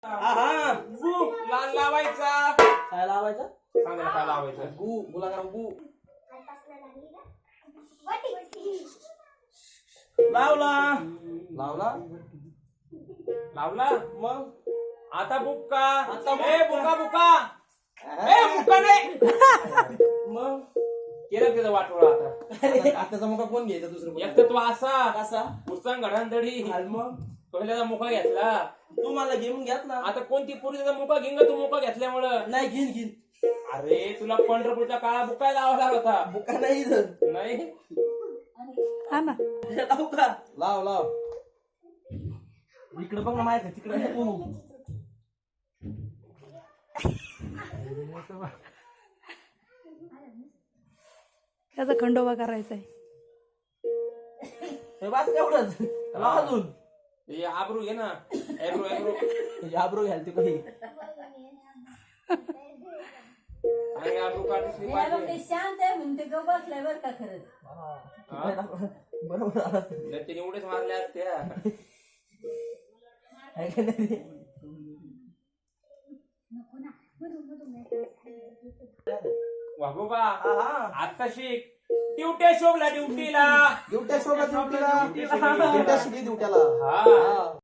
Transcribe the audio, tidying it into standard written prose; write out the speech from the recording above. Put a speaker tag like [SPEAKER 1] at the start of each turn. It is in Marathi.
[SPEAKER 1] हा
[SPEAKER 2] गु लाल लावायचा.
[SPEAKER 1] काय लावायचं?
[SPEAKER 2] सांगायला काय लावायचं?
[SPEAKER 1] गुलाब गु लावला लावला
[SPEAKER 2] लावला.
[SPEAKER 1] मग
[SPEAKER 2] आता बुक्का.
[SPEAKER 1] आता
[SPEAKER 2] ए बुका बुका. ए बुका नाही.
[SPEAKER 1] मग
[SPEAKER 2] केलं त्याचं वाटोळा आता.
[SPEAKER 1] आताचा मुका कोण घ्यायचा दुसरं
[SPEAKER 2] एक तर तो असा
[SPEAKER 1] कसा
[SPEAKER 2] उचंग घडांधडी.
[SPEAKER 1] आणि मग
[SPEAKER 2] पहिल्याचा मुका घेतला.
[SPEAKER 1] तू मला घेऊन घ्यात ना.
[SPEAKER 2] आता कोणती पोरी त्याचा मुका घेईन का तू मुका घेतल्यामुळं?
[SPEAKER 1] नाही घेईन घेईन.
[SPEAKER 2] अरे तुला पंढरपूरचा काळा बुका लावा लागला होता.
[SPEAKER 1] बुका नाही इथं.
[SPEAKER 2] नाही
[SPEAKER 3] हा ना
[SPEAKER 1] लाव का? लाव लाव इकडे बघ ना माहिती तिकडे नको.
[SPEAKER 3] त्याचा खंडोबा करायचा आहे.
[SPEAKER 1] हे बस एवढंच. लाव अजून
[SPEAKER 2] हे आबरू घे ना. एब्रो एब्रो
[SPEAKER 1] आब्रो घ्याल ते काही
[SPEAKER 2] आणि आबरू काढली पाहिजे.
[SPEAKER 4] शांत आहे म्हणून ते गप बसलाय बरं का खरंच.
[SPEAKER 1] बरोबर आला.
[SPEAKER 2] नाही त्याने उड्याच मारल्या असत्या.
[SPEAKER 1] आहे का नाही?
[SPEAKER 2] वा बाबा
[SPEAKER 1] हा.
[SPEAKER 2] आता शिक. ड्युट्या शोभला ड्युटीला.
[SPEAKER 1] ड्युट्या शोभा ड्युटीला.
[SPEAKER 2] ड्युट्या
[SPEAKER 1] ड्युट्या शिकली ड्युट्याला.
[SPEAKER 2] हा
[SPEAKER 1] हा.